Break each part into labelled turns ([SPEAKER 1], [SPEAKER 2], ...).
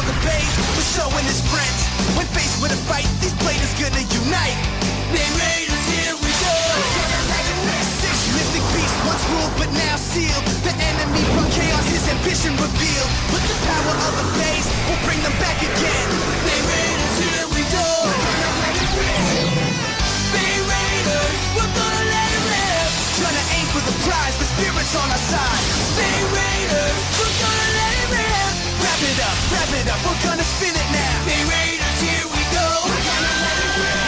[SPEAKER 1] the base was showing his friends. When faced with a fight, these players gonna unite. They Raiders, here we go. 6 mythic beasts once ruled but now sealed. The enemy brought chaos, his ambition revealed. But the power of the base will bring them back again. They Raiders, here we go. They Raiders, we're gonna let it live. Trying to aim for the prize, the spirit's on our side. They Raiders, we're gonna let it live. Wrap it up, we're gonna spin it now. They Raiders, here we go. We're gonna let it rip.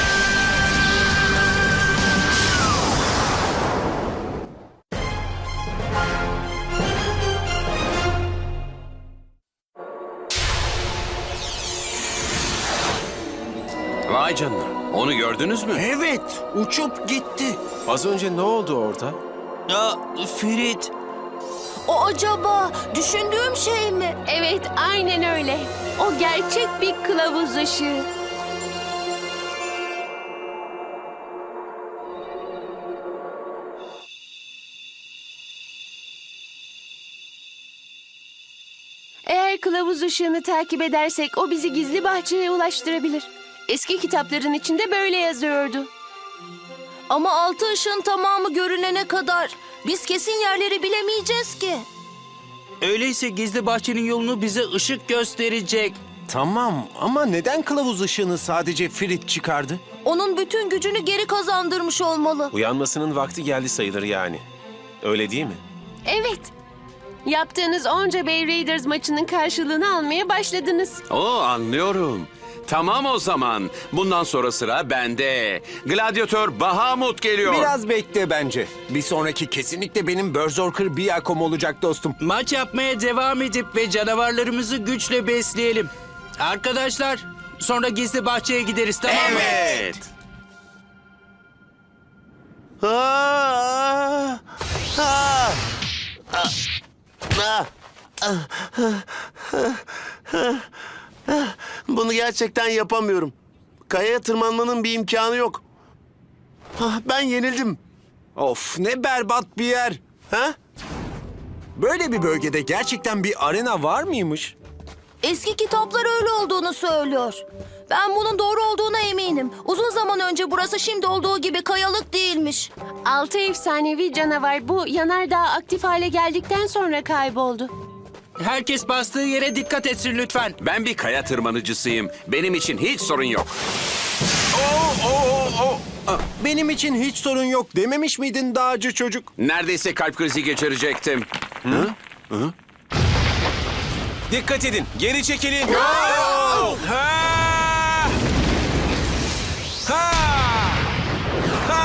[SPEAKER 2] Vay canına. Onu gördünüz mü?
[SPEAKER 3] Evet, uçup gitti.
[SPEAKER 4] Az önce ne oldu orada?
[SPEAKER 3] Ferit.
[SPEAKER 5] O acaba düşündüğüm şey mi?
[SPEAKER 6] Evet, aynen öyle. O gerçek bir kılavuz ışığı. Eğer kılavuz ışığını takip edersek o bizi gizli bahçeye ulaştırabilir. Eski kitapların içinde böyle yazıyordu.
[SPEAKER 5] Ama altı ışığın tamamı görünene kadar biz kesin yerleri bilemeyeceğiz ki.
[SPEAKER 3] Öyleyse gizli bahçenin yolunu bize ışık gösterecek.
[SPEAKER 4] Tamam ama neden kılavuz ışığını sadece Ferit çıkardı?
[SPEAKER 5] Onun bütün gücünü geri kazandırmış olmalı.
[SPEAKER 4] Uyanmasının vakti geldi sayılır yani. Öyle değil mi?
[SPEAKER 6] Evet. Yaptığınız onca Bay Raiders maçının karşılığını almaya başladınız.
[SPEAKER 2] Oo, anlıyorum. Tamam o zaman. Bundan sonra sıra bende. Gladyatör Bahamut geliyor.
[SPEAKER 4] Biraz bekle bence. Bir sonraki kesinlikle benim Berserker Biakom olacak dostum.
[SPEAKER 3] Maç yapmaya devam edip ve canavarlarımızı güçle besleyelim. Arkadaşlar, sonra gizli bahçeye gideriz, tamam mı?
[SPEAKER 2] Evet.
[SPEAKER 7] Bunu gerçekten yapamıyorum. Kayaya tırmanmanın bir imkanı yok. Ben yenildim.
[SPEAKER 4] Of ne berbat bir yer.
[SPEAKER 7] Ha?
[SPEAKER 4] Böyle bir bölgede gerçekten bir arena var mıymış?
[SPEAKER 5] Eski kitaplar öyle olduğunu söylüyor. Ben bunun doğru olduğuna eminim. Uzun zaman önce burası şimdi olduğu gibi kayalık değilmiş.
[SPEAKER 6] 6 efsanevi canavar bu yanardağ aktif hale geldikten sonra kayboldu.
[SPEAKER 3] Herkes bastığı yere dikkat etsin lütfen.
[SPEAKER 2] Ben bir kaya tırmanıcısıyım. Benim için hiç sorun yok.
[SPEAKER 4] Benim için hiç sorun yok dememiş miydin dağcı çocuk?
[SPEAKER 2] Neredeyse kalp krizi geçirecektim.
[SPEAKER 4] Dikkat edin, geri çekilin. Ha! Ha! Ha!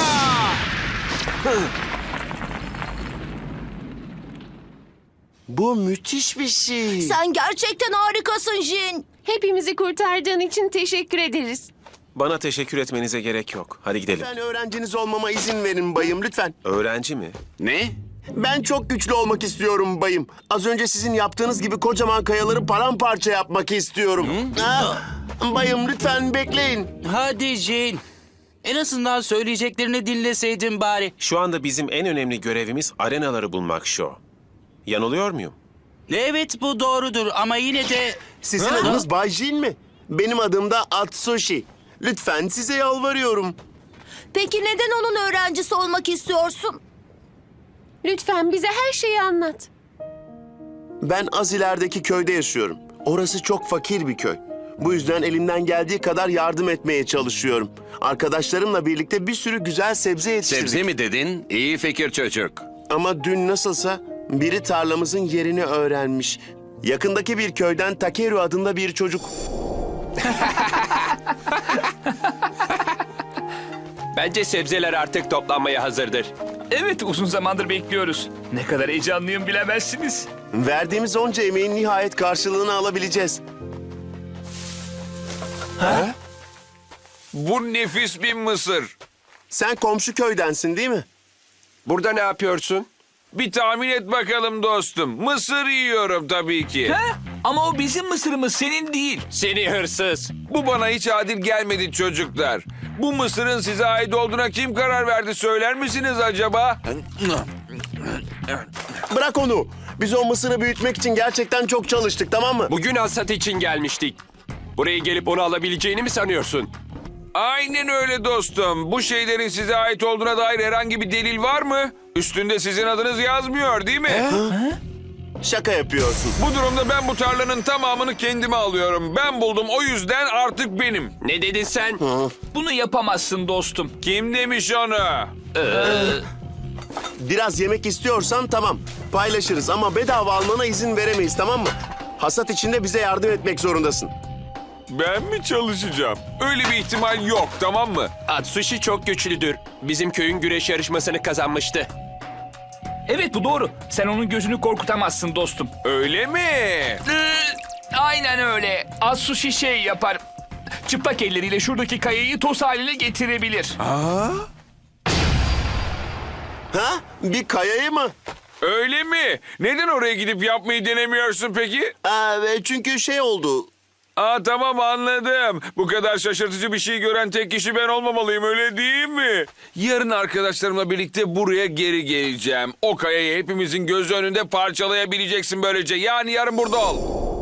[SPEAKER 7] Bu müthiş bir şey.
[SPEAKER 5] Sen gerçekten harikasın Jin.
[SPEAKER 6] Hepimizi kurtardığın için teşekkür ederiz.
[SPEAKER 4] Bana teşekkür etmenize gerek yok. Hadi gidelim.
[SPEAKER 7] Lütfen öğrenciniz olmama izin verin bayım, lütfen.
[SPEAKER 4] Öğrenci mi?
[SPEAKER 2] Ne?
[SPEAKER 7] Ben çok güçlü olmak istiyorum bayım. Az önce sizin yaptığınız gibi kocaman kayaları paramparça yapmak istiyorum. Bayım lütfen bekleyin.
[SPEAKER 3] Hadi Jane. En azından söyleyeceklerini dinleseydin bari.
[SPEAKER 4] Şu anda bizim en önemli görevimiz arenaları bulmak Şo. Yanılıyor muyum?
[SPEAKER 3] Evet, bu doğrudur ama yine de...
[SPEAKER 7] Sizin
[SPEAKER 4] Ha?
[SPEAKER 7] adınız Bay Jin mi? Benim adım da Atsushi. Lütfen size yalvarıyorum.
[SPEAKER 5] Peki neden onun öğrencisi olmak istiyorsun?
[SPEAKER 6] Lütfen bize her şeyi anlat.
[SPEAKER 7] Ben az ilerideki köyde yaşıyorum. Orası çok fakir bir köy. Bu yüzden elimden geldiği kadar yardım etmeye çalışıyorum. Arkadaşlarımla birlikte bir sürü güzel sebze yetiştirdik.
[SPEAKER 2] Sebze mi dedin? İyi fikir çocuk.
[SPEAKER 7] Ama dün nasılsa biri tarlamızın yerini öğrenmiş. Yakındaki bir köyden Takeru adında bir çocuk.
[SPEAKER 8] Bence sebzeler artık toplanmaya hazırdır.
[SPEAKER 9] Evet, uzun zamandır bekliyoruz. Ne kadar heyecanlıyım bilemezsiniz.
[SPEAKER 7] Verdiğimiz onca emeğin nihayet karşılığını alabileceğiz.
[SPEAKER 8] Bu nefis bir mısır.
[SPEAKER 7] Sen komşu köydensin değil mi?
[SPEAKER 8] Burada ne yapıyorsun? Bir tahmin et bakalım dostum. Mısır yiyorum tabii ki.
[SPEAKER 9] He? Ama o bizim mısırımız, senin değil.
[SPEAKER 8] Seni hırsız. Bu bana hiç adil gelmedi çocuklar. Bu mısırın size ait olduğuna kim karar verdi söyler misiniz acaba?
[SPEAKER 7] Bırak onu. Biz o mısırı büyütmek için gerçekten çok çalıştık, tamam mı?
[SPEAKER 4] Bugün hasat için gelmiştik. Buraya gelip onu alabileceğini mi sanıyorsun?
[SPEAKER 8] Aynen öyle dostum. Bu şeylerin size ait olduğuna dair herhangi bir delil var mı? Üstünde sizin adınız yazmıyor değil mi?
[SPEAKER 7] Şaka yapıyorsun.
[SPEAKER 8] Bu durumda ben bu tarlanın tamamını kendime alıyorum. Ben buldum, o yüzden artık benim.
[SPEAKER 4] Ne dedin sen?
[SPEAKER 9] Bunu yapamazsın dostum.
[SPEAKER 8] Kim demiş onu?
[SPEAKER 7] Biraz yemek istiyorsan tamam, paylaşırız ama bedava almana izin veremeyiz, tamam mı? Hasat içinde bize yardım etmek zorundasın.
[SPEAKER 8] Ben mi çalışacağım? Öyle bir ihtimal yok, tamam mı?
[SPEAKER 4] Atsushi çok güçlüdür. Bizim köyün güreş yarışmasını kazanmıştı.
[SPEAKER 9] Evet bu doğru. Sen onun gözünü korkutamazsın dostum.
[SPEAKER 8] Öyle mi?
[SPEAKER 9] Aynen öyle. Atsushi şey yapar. Çıplak elleriyle şuradaki kayayı toz haline getirebilir.
[SPEAKER 7] Ha? Bir kayayı mı?
[SPEAKER 8] Öyle mi? Neden oraya gidip yapmayı denemiyorsun peki?
[SPEAKER 7] Çünkü şey oldu.
[SPEAKER 8] Tamam anladım. Bu kadar şaşırtıcı bir şey gören tek kişi ben olmamalıyım, öyle değil mi? Yarın arkadaşlarımla birlikte buraya geri geleceğim. O kayayı hepimizin gözü önünde parçalayabileceksin böylece. Yani yarın burada ol.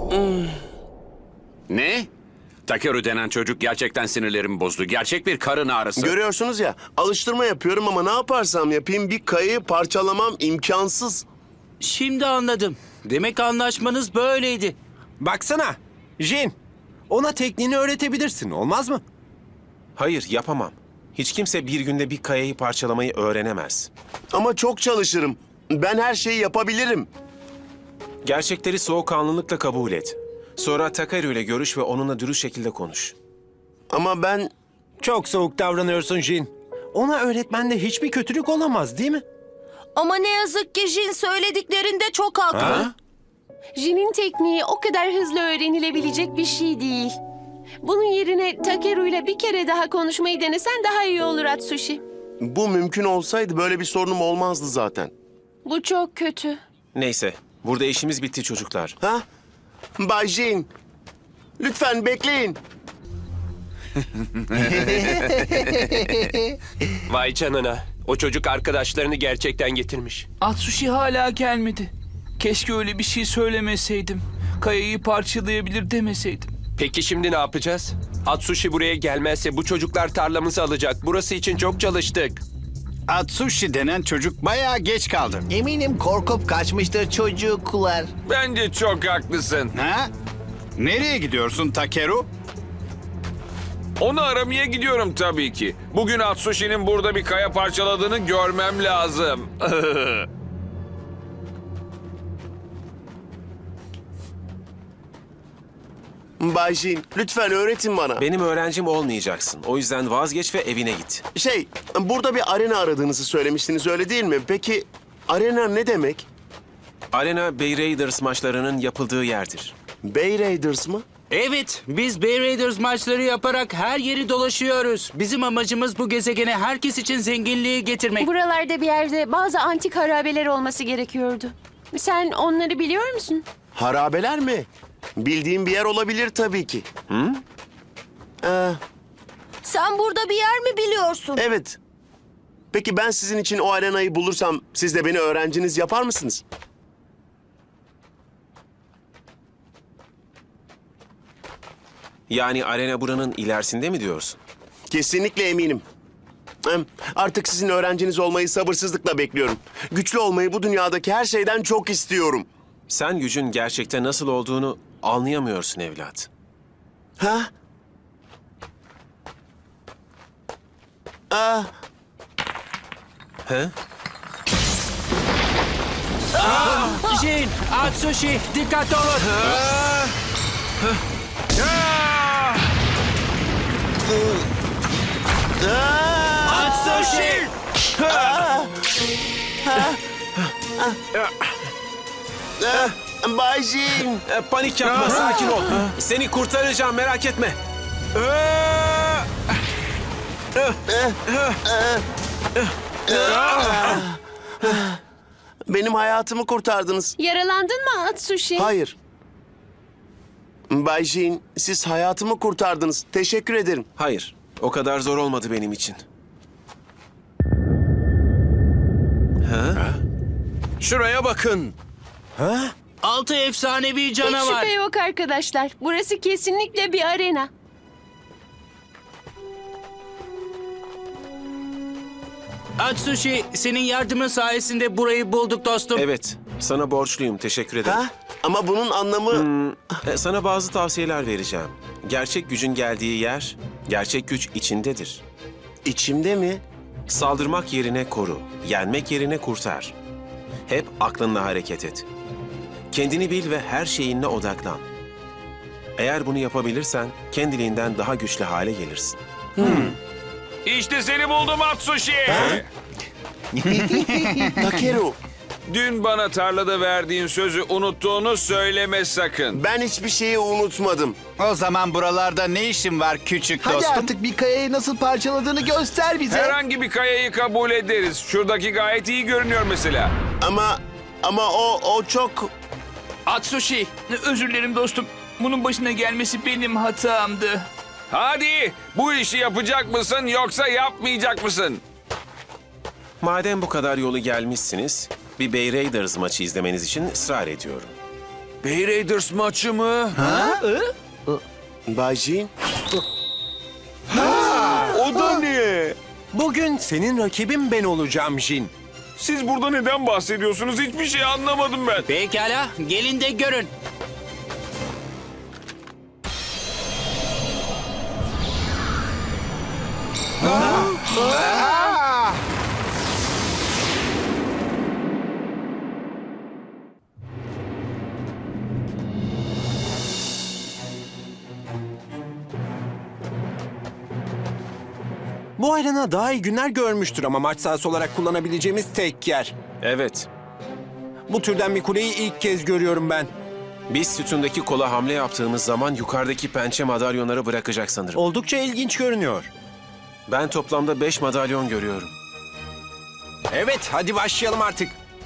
[SPEAKER 2] Ne? Takeru denen çocuk gerçekten sinirlerimi bozdu. Gerçek bir karın ağrısı.
[SPEAKER 7] Görüyorsunuz ya, alıştırma yapıyorum ama ne yaparsam yapayım bir kayayı parçalamam imkansız.
[SPEAKER 3] Şimdi anladım. Demek anlaşmanız böyleydi.
[SPEAKER 10] Baksana. Jin, ona tekniğini öğretebilirsin, olmaz mı? Hayır, yapamam. Hiç kimse bir günde bir kayayı parçalamayı öğrenemez.
[SPEAKER 7] Ama çok çalışırım. Ben her şeyi yapabilirim.
[SPEAKER 10] Gerçekleri soğukkanlılıkla kabul et. Sonra Takeru ile görüş ve onunla dürüst şekilde konuş.
[SPEAKER 7] Ama ben...
[SPEAKER 10] Çok soğuk davranıyorsun Jin. Ona öğretmende hiçbir kötülük olamaz, değil mi?
[SPEAKER 5] Ama ne yazık ki Jin söylediklerinde çok haklı.
[SPEAKER 6] Jin'in tekniği o kadar hızlı öğrenilebilecek bir şey değil. Bunun yerine Takeru ile bir kere daha konuşmayı denesen daha iyi olur Atsushi.
[SPEAKER 7] Bu mümkün olsaydı böyle bir sorunum olmazdı zaten.
[SPEAKER 6] Bu çok kötü.
[SPEAKER 10] Neyse, burada işimiz bitti çocuklar.
[SPEAKER 7] Ha? Bay Jin, lütfen bekleyin.
[SPEAKER 4] Vay canına. O çocuk arkadaşlarını gerçekten getirmiş.
[SPEAKER 9] Atsushi hala gelmedi. Keşke öyle bir şey söylemeseydim. Kayayı parçalayabilir demeseydim.
[SPEAKER 4] Peki şimdi ne yapacağız? Atsushi buraya gelmezse bu çocuklar tarlamızı alacak. Burası için çok çalıştık.
[SPEAKER 11] Atsushi denen çocuk bayağı geç kaldı.
[SPEAKER 12] Eminim korkup kaçmıştır çocuklar.
[SPEAKER 8] Bence çok haklısın.
[SPEAKER 11] Ha? Nereye gidiyorsun Takeru?
[SPEAKER 8] Onu aramaya gidiyorum tabii ki. Bugün Atsushi'nin burada bir kaya parçaladığını görmem lazım.
[SPEAKER 7] Bay Jin, lütfen öğretin bana.
[SPEAKER 10] Benim öğrencim olmayacaksın. O yüzden vazgeç ve evine git.
[SPEAKER 7] Burada bir arena aradığınızı söylemiştiniz, öyle değil mi? Peki arena ne demek?
[SPEAKER 10] Arena Bay Raiders maçlarının yapıldığı yerdir.
[SPEAKER 7] Bay Raiders mı?
[SPEAKER 3] Evet, biz Bay Raiders maçları yaparak her yeri dolaşıyoruz. Bizim amacımız bu gezegene herkes için zenginliği getirmek.
[SPEAKER 6] Buralarda bir yerde bazı antik harabeler olması gerekiyordu. Sen onları biliyor musun?
[SPEAKER 7] Harabeler mi? Bildiğim bir yer olabilir tabii ki.
[SPEAKER 5] Sen burada bir yer mi biliyorsun?
[SPEAKER 7] Evet. Peki ben sizin için o arenayı bulursam siz de beni öğrenciniz yapar mısınız?
[SPEAKER 10] Yani arena buranın ilerisinde mi diyorsun?
[SPEAKER 7] Kesinlikle eminim. Artık sizin öğrenciniz olmayı sabırsızlıkla bekliyorum. Güçlü olmayı bu dünyadaki her şeyden çok istiyorum.
[SPEAKER 10] Sen gücün gerçekte nasıl olduğunu anlayamıyorsun evlat.
[SPEAKER 7] Ha?
[SPEAKER 10] He?
[SPEAKER 3] Jin, Atsushi, dikkat olun. Atsushi!
[SPEAKER 7] Bay Jin.
[SPEAKER 10] Panik yapma, sakin ol. Seni kurtaracağım, merak etme.
[SPEAKER 7] Benim hayatımı kurtardınız.
[SPEAKER 6] Yaralandın mı Atsushi?
[SPEAKER 7] Hayır. Bay Jin, siz hayatımı kurtardınız. Teşekkür ederim.
[SPEAKER 10] Hayır, o kadar zor olmadı benim için.
[SPEAKER 4] Şuraya bakın.
[SPEAKER 3] 6 efsanevi
[SPEAKER 6] Hiç
[SPEAKER 3] canavar.
[SPEAKER 6] şüphe yok arkadaşlar. Burası kesinlikle bir arena.
[SPEAKER 3] Atsushi, senin yardımın sayesinde burayı bulduk dostum.
[SPEAKER 10] Evet, sana borçluyum. Teşekkür ederim.
[SPEAKER 7] Ha? Ama bunun anlamı...
[SPEAKER 10] Sana bazı tavsiyeler vereceğim. Gerçek gücün geldiği yer, gerçek güç içindedir.
[SPEAKER 7] içimde mi?
[SPEAKER 10] Saldırmak yerine koru, yenmek yerine kurtar. Hep aklınla hareket et. Kendini bil ve her şeyinle odaklan. Eğer bunu yapabilirsen kendiliğinden daha güçlü hale gelirsin.
[SPEAKER 8] İşte seni buldum Atsushi.
[SPEAKER 7] Takeru,
[SPEAKER 8] Dün bana tarlada verdiğin sözü unuttuğunu söyleme sakın.
[SPEAKER 7] ben hiçbir şeyi unutmadım.
[SPEAKER 11] O zaman buralarda ne işin var küçük
[SPEAKER 12] Hadi
[SPEAKER 11] dostum?
[SPEAKER 12] artık bir kayayı nasıl parçaladığını göster bize.
[SPEAKER 8] Herhangi bir kayayı kabul ederiz. Şuradaki gayet iyi görünüyor mesela.
[SPEAKER 7] Ama o çok...
[SPEAKER 9] Atsushi, özür dilerim dostum. Bunun başına gelmesi benim hatamdı.
[SPEAKER 8] Hadi bu işi yapacak mısın yoksa yapmayacak mısın?
[SPEAKER 10] Madem bu kadar yolu gelmişsiniz, bir Bay Raiders maçı izlemeniz için ısrar ediyorum.
[SPEAKER 8] Bay Raiders maçı mı?
[SPEAKER 7] Bay Jin?
[SPEAKER 8] O da ne?
[SPEAKER 13] Bugün senin rakibin ben olacağım Jin.
[SPEAKER 8] Siz burada neden bahsediyorsunuz? Hiçbir şey anlamadım ben.
[SPEAKER 3] Pekala, gelin de görün.
[SPEAKER 13] Bu arena daha iyi günler görmüştür ama maç sahası olarak kullanabileceğimiz tek yer.
[SPEAKER 10] Evet,
[SPEAKER 13] Bu türden bir kuleyi ilk kez görüyorum ben.
[SPEAKER 10] biz sütundaki kola hamle yaptığımız zaman yukarıdaki pençe madalyonları bırakacak sanırım.
[SPEAKER 13] Oldukça ilginç görünüyor.
[SPEAKER 10] Ben toplamda 5 madalyon görüyorum.
[SPEAKER 13] Evet, hadi başlayalım artık.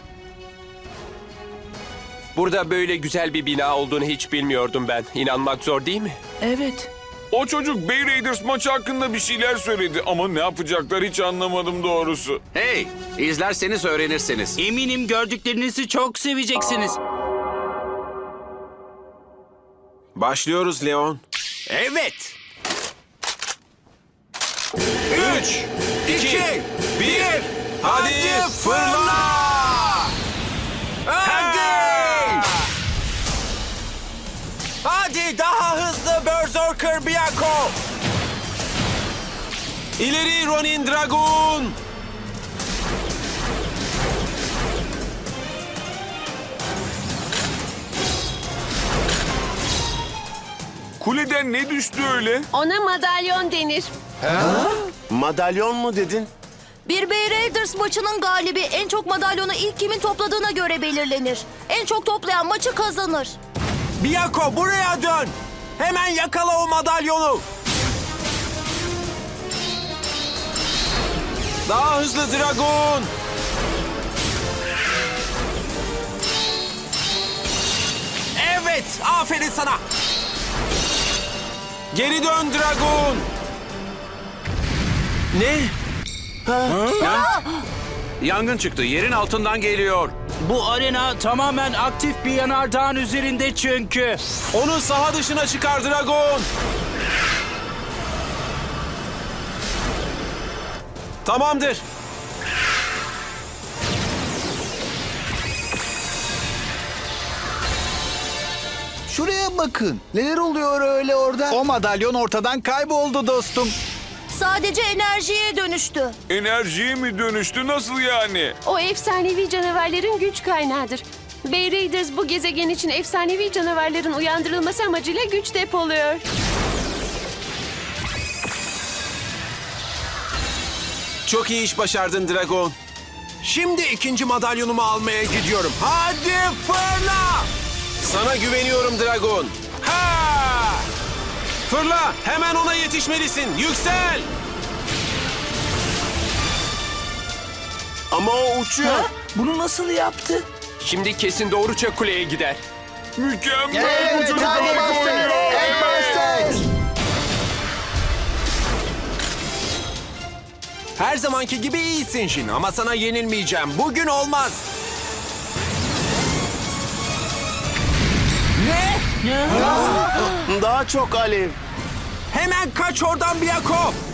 [SPEAKER 4] Burada böyle güzel bir bina olduğunu hiç bilmiyordum ben. İnanmak zor değil mi?
[SPEAKER 9] Evet.
[SPEAKER 8] O çocuk Bay Raiders maçı hakkında bir şeyler söyledi ama ne yapacaklar hiç anlamadım doğrusu.
[SPEAKER 2] Hey, izlerseniz öğrenirsiniz.
[SPEAKER 3] Eminim gördüklerinizi çok seveceksiniz.
[SPEAKER 10] Başlıyoruz Leon.
[SPEAKER 13] Evet.
[SPEAKER 10] 3, 2, 1, hadi fırla!
[SPEAKER 13] Hadi daha hızlı Berserker Byakuya.
[SPEAKER 10] İleri Ronin Dragon!
[SPEAKER 8] Kuleden ne düştü öyle?
[SPEAKER 6] Ona madalyon denir.
[SPEAKER 7] Madalyon mu dedin?
[SPEAKER 5] Bir Bay Raiders maçının galibi en çok madalyonu ilk kimin topladığına göre belirlenir. En çok toplayan maçı kazanır.
[SPEAKER 13] Byakuya buraya dön. Hemen yakala o madalyonu.
[SPEAKER 10] Daha hızlı Dragon!
[SPEAKER 13] Evet, aferin sana.
[SPEAKER 10] Geri dön Dragon!
[SPEAKER 2] Ne? Yangın çıktı. Yerin altından geliyor.
[SPEAKER 3] Bu arena tamamen aktif bir yanardağın üzerinde çünkü.
[SPEAKER 10] Onu saha dışına çıkar Dragon! Tamamdır.
[SPEAKER 12] Şuraya bakın. Neler oluyor öyle orada?
[SPEAKER 11] O madalyon ortadan kayboldu dostum.
[SPEAKER 5] Sadece enerjiye dönüştü.
[SPEAKER 8] Enerjiye mi dönüştü nasıl yani?
[SPEAKER 6] O efsanevi canavarların güç kaynağıdır. Bay Raiders bu gezegen için efsanevi canavarların uyandırılması amacıyla güç depoluyor.
[SPEAKER 10] Çok iyi iş başardın Dragon.
[SPEAKER 13] Şimdi ikinci madalyonumu almaya gidiyorum. Hadi fırla!
[SPEAKER 10] Sana güveniyorum Dragon. Ha! Fırla! Hemen ona yetişmelisin. Yüksel!
[SPEAKER 7] Ama o uçuyor.
[SPEAKER 9] Bunu nasıl yaptı?
[SPEAKER 4] Şimdi kesin doğruca kuleye gider.
[SPEAKER 8] Mükemmel bu
[SPEAKER 12] Evet,
[SPEAKER 8] çocuk
[SPEAKER 12] hadi
[SPEAKER 8] harika
[SPEAKER 12] Master.
[SPEAKER 8] oynuyor.
[SPEAKER 12] Evet, Master.
[SPEAKER 13] Her zamanki gibi iyisin Jin ama sana yenilmeyeceğim. Bugün olmaz.
[SPEAKER 7] Daha çok alev.
[SPEAKER 13] Hemen kaç oradan Biyako.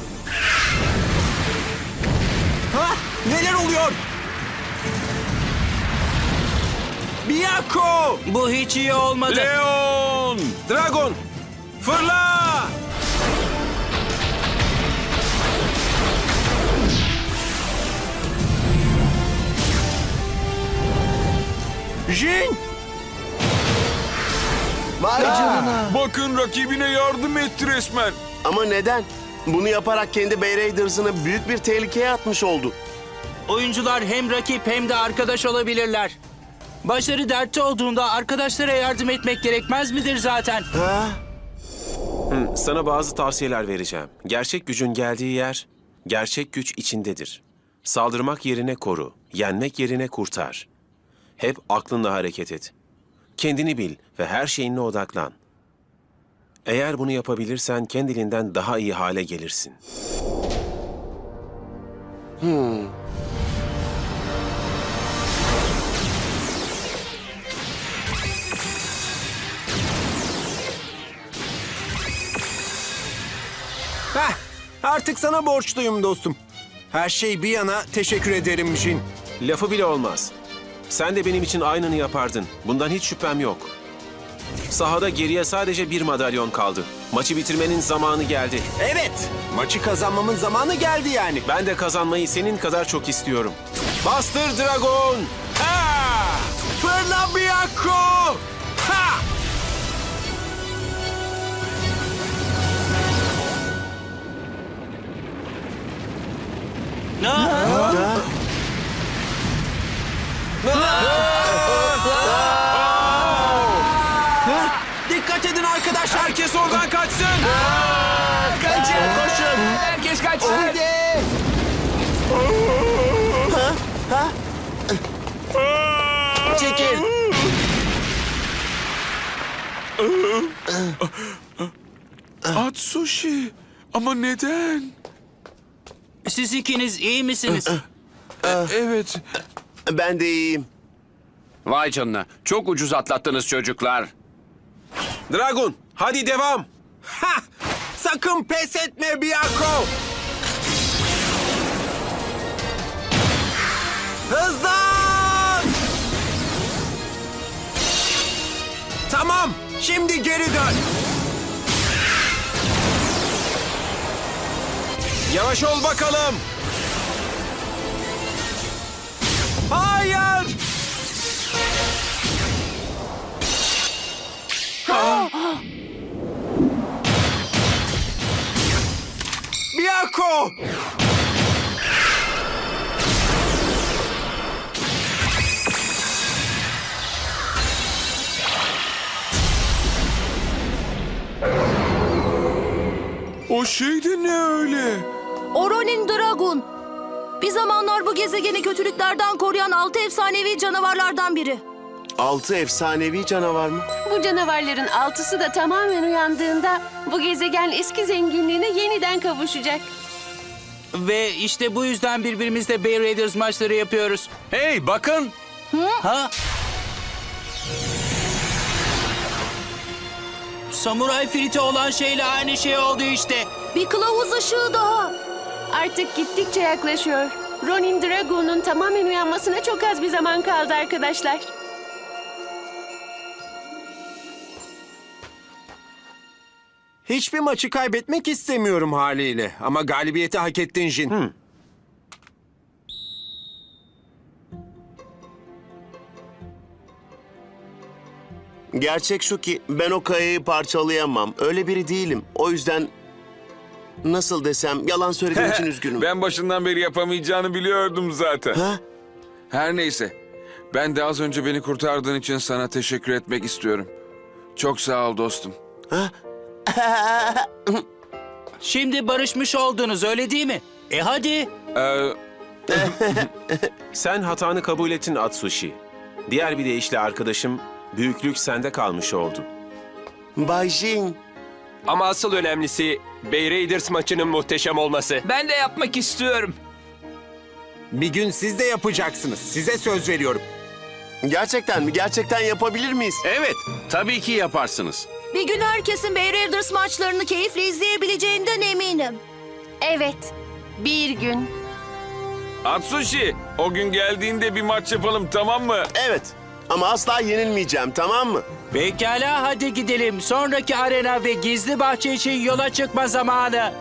[SPEAKER 13] Ha? Neler oluyor? Biyako!
[SPEAKER 3] Bu hiç iyi olmadı.
[SPEAKER 8] Leon!
[SPEAKER 10] Dragon, fırla!
[SPEAKER 13] Jin!
[SPEAKER 12] Vay canına.
[SPEAKER 8] Bakın rakibine yardım etti resmen.
[SPEAKER 7] Ama neden? Bunu yaparak kendi Bay Raiders'ını büyük bir tehlikeye atmış oldu.
[SPEAKER 3] Oyuncular hem rakip hem de arkadaş olabilirler. Başları dertte olduğunda arkadaşlara yardım etmek gerekmez midir zaten?
[SPEAKER 7] Ha?
[SPEAKER 10] Sana bazı tavsiyeler vereceğim. Gerçek gücün geldiği yer, gerçek güç içindedir. Saldırmak yerine koru, yenmek yerine kurtar. Hep aklınla hareket et. Kendini bil ve her şeyinle odaklan. Eğer bunu yapabilirsen kendiliğinden daha iyi hale gelirsin.
[SPEAKER 13] Heh, artık sana borçluyum dostum. Her şey bir yana teşekkür ederim Jin.
[SPEAKER 10] Lafı bile olmaz. Sen de benim için aynını yapardın. Bundan hiç şüphem yok. Sahada geriye sadece bir madalyon kaldı. Maçı bitirmenin zamanı geldi.
[SPEAKER 13] Evet, maçı kazanmamın zamanı geldi yani.
[SPEAKER 10] Ben de kazanmayı senin kadar çok istiyorum. Bastır Dragon!
[SPEAKER 13] Ha! Fırla Biyako! Ha! Dikkat edin arkadaşlar.
[SPEAKER 10] Herkes oradan kaçsın!
[SPEAKER 7] Koşun.
[SPEAKER 9] Herkes kaçsın.
[SPEAKER 7] Çekil.
[SPEAKER 8] Atsushi. Ama neden?
[SPEAKER 3] Siz ikiniz iyi misiniz?
[SPEAKER 8] Evet.
[SPEAKER 7] Ben de iyiyim.
[SPEAKER 2] Vay canına. Çok ucuz atlattınız çocuklar.
[SPEAKER 10] Dragon, hadi devam!
[SPEAKER 13] Ha! Sakın pes etme Biyako! Hızlan! Tamam, şimdi geri dön.
[SPEAKER 10] Yavaş ol bakalım!
[SPEAKER 13] Hayır! Biyako!
[SPEAKER 8] O şey de ne öyle?
[SPEAKER 5] Oronin Dragon. Bir zamanlar bu gezegeni kötülüklerden koruyan 6 efsanevi canavarlardan biri.
[SPEAKER 7] 6 efsanevi canavar mı?
[SPEAKER 6] Bu canavarların 6'sı da tamamen uyandığında bu gezegen eski zenginliğine yeniden kavuşacak.
[SPEAKER 3] Ve işte bu yüzden birbirimizle Bay Raiders maçları yapıyoruz.
[SPEAKER 11] Hey bakın.
[SPEAKER 3] Ha? Samuray Filti olan şeyle aynı şey oldu işte.
[SPEAKER 5] Bir kılavuz ışığı daha.
[SPEAKER 6] Artık gittikçe yaklaşıyor. Ronin Dragon'un tamamen uyanmasına çok az bir zaman kaldı arkadaşlar.
[SPEAKER 13] Hiçbir maçı kaybetmek istemiyorum haliyle. Ama galibiyeti hak ettin Jin.
[SPEAKER 7] Gerçek şu ki ben o kayayı parçalayamam. Öyle biri değilim. O yüzden nasıl desem yalan söylediğim için üzgünüm.
[SPEAKER 8] Ben başından beri yapamayacağını biliyordum zaten.
[SPEAKER 7] Ha?
[SPEAKER 8] Her neyse. Ben de az önce beni kurtardığın için sana teşekkür etmek istiyorum. Çok sağ ol dostum.
[SPEAKER 3] Şimdi barışmış oldunuz öyle değil mi? Hadi.
[SPEAKER 10] Sen hatanı kabul ettin Atsushi. Diğer bir deyişle arkadaşım, büyüklük sende kalmış oldu.
[SPEAKER 7] Bay Jin.
[SPEAKER 4] Ama asıl önemlisi Bay Raiders maçının muhteşem olması.
[SPEAKER 9] Ben de yapmak istiyorum.
[SPEAKER 13] Bir gün siz de yapacaksınız. Size söz veriyorum.
[SPEAKER 7] Gerçekten mi? Gerçekten yapabilir miyiz?
[SPEAKER 2] Evet, tabii ki yaparsınız.
[SPEAKER 5] Bir gün herkesin Bay Raiders maçlarını keyifle izleyebileceğinden eminim.
[SPEAKER 6] Evet, bir gün.
[SPEAKER 8] Atsushi, o gün geldiğinde bir maç yapalım, tamam mı?
[SPEAKER 7] Evet. Ama asla yenilmeyeceğim, tamam mı?
[SPEAKER 3] Pekala hadi gidelim. Sonraki arena ve gizli bahçe için yola çıkma zamanı.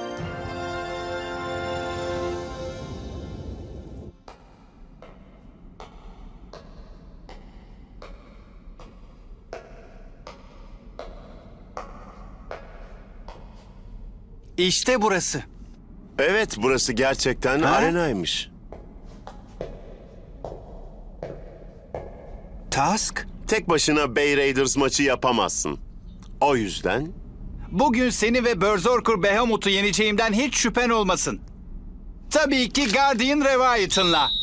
[SPEAKER 11] İşte burası.
[SPEAKER 7] Evet, burası gerçekten arenaymış.
[SPEAKER 11] Tusk,
[SPEAKER 7] Tek başına Bay Raiders maçı yapamazsın. O yüzden
[SPEAKER 11] bugün seni ve Berserker Behemoth'u yeneceğimden hiç şüphen olmasın. Tabii ki Guardian Leviathan'la.